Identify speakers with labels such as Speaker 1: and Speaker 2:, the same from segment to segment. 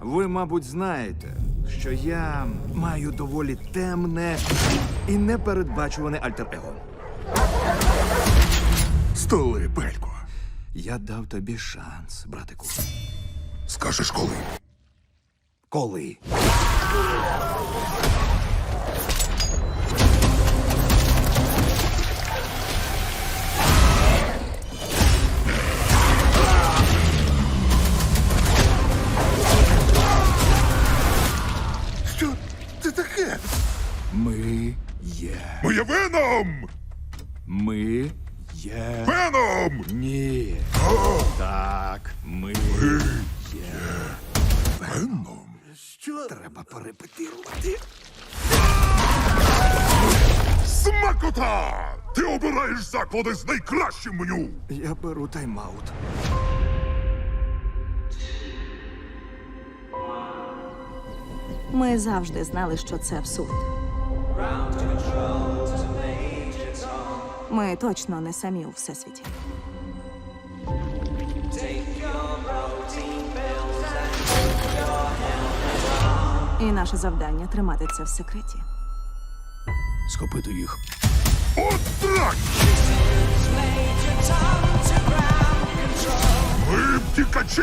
Speaker 1: Ви, мабуть, знаєте, що я маю доволі темне і непередбачуване альтер-его.
Speaker 2: Столи, Пелько.
Speaker 1: Я дав тобі шанс, братику.
Speaker 2: Скажеш коли?
Speaker 1: Коли?
Speaker 2: Що це таке?
Speaker 1: Ми є.
Speaker 2: Ми є Веном!
Speaker 1: Ми є.
Speaker 2: Веном!
Speaker 1: Ні. Так, ми є.
Speaker 2: Веном?
Speaker 1: Що? Треба порепетирувати.
Speaker 2: Смакота! Ти обираєш заклади з найкращим меню!
Speaker 1: Я беру тайм-аут.
Speaker 3: Ми завжди знали, що це абсурд. Ми точно не самі у всесвіті. І наше завдання тримати це в секреті.
Speaker 1: Схопити їх.
Speaker 2: От так! Ми втікачі!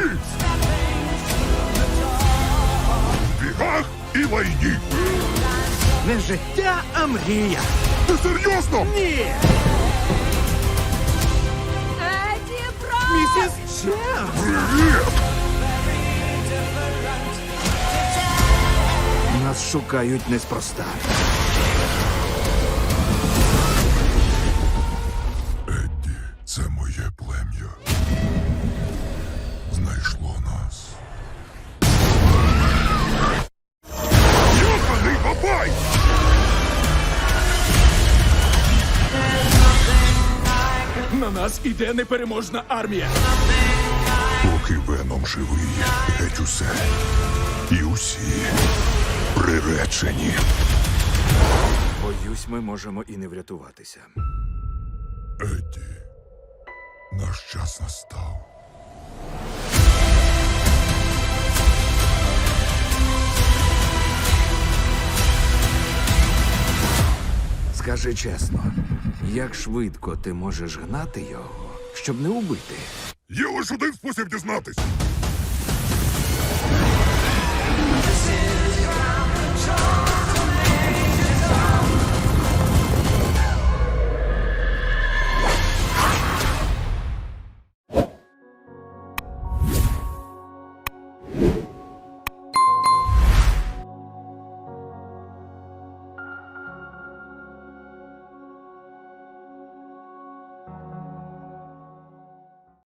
Speaker 2: В бігах і лайні!
Speaker 1: Не життя, а мрія.
Speaker 2: Ти серйозно?
Speaker 1: Ні!
Speaker 3: Еді Бро!
Speaker 1: Місіс Чен!
Speaker 2: Привіт!
Speaker 1: Нас шукають неспроста.
Speaker 2: Едді, це моє плем'я. Знайшло нас. Йоханий бабай!
Speaker 1: На нас іде непереможна армія.
Speaker 2: Поки Веном живий, геть усе. І усі приречені.
Speaker 1: Боюсь, ми можемо і не врятуватися.
Speaker 2: Едді, наш час настав.
Speaker 1: Скажи чесно, як швидко ти можеш гнати його, щоб не убити?
Speaker 2: Є лише один спосіб дізнатись.